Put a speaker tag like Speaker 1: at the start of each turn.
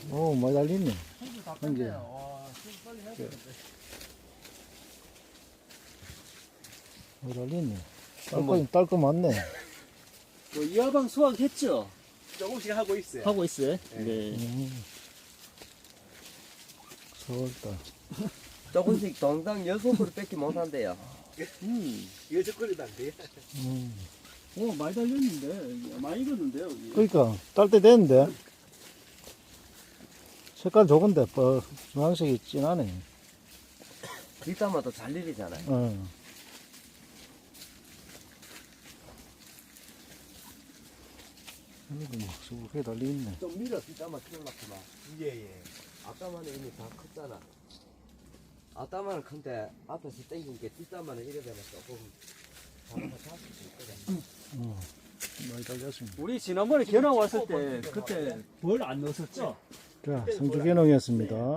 Speaker 1: 오, 많이 달리네.
Speaker 2: 손질 다
Speaker 1: 한 개.
Speaker 2: 뺐네요. 와, 손 빨리 해야 되는데.
Speaker 1: 많이 달리네.
Speaker 3: 한번.
Speaker 1: 딸거 많네.
Speaker 3: 그 이하방 수확했죠? 조금씩 하고 있어요.
Speaker 2: 하고 있어요?
Speaker 3: 네.
Speaker 1: 4월달.
Speaker 4: 조금씩 동당 6그루 뺏기 못한대요.
Speaker 3: 여섯거리도 안 돼.
Speaker 2: 오, 많이 달렸는데. 많이 익었는데요, 여기.
Speaker 1: 그러니까, 딸 때 됐는데. 색깔 좋은데, 주황색이 진하네.
Speaker 4: 뒷담화도 잘 일이잖아요.
Speaker 1: 어. 여기도 막 수북하게 달려있네.
Speaker 4: 좀 밀어 뒷담화 키울라구만.
Speaker 3: 예.
Speaker 4: 앞담화는 이미 다 컸잖아. 앞담화는 큰데 앞에서 땡긴 게 뒷담화는 이래 되면 조금 잡아서 잡을 수 있거든.
Speaker 1: 많이 달렸습니다.
Speaker 2: 우리 지난번에 견학 왔을 때, 그때 벌 안 넣었었죠?
Speaker 1: 자, 성주개농이었습니다.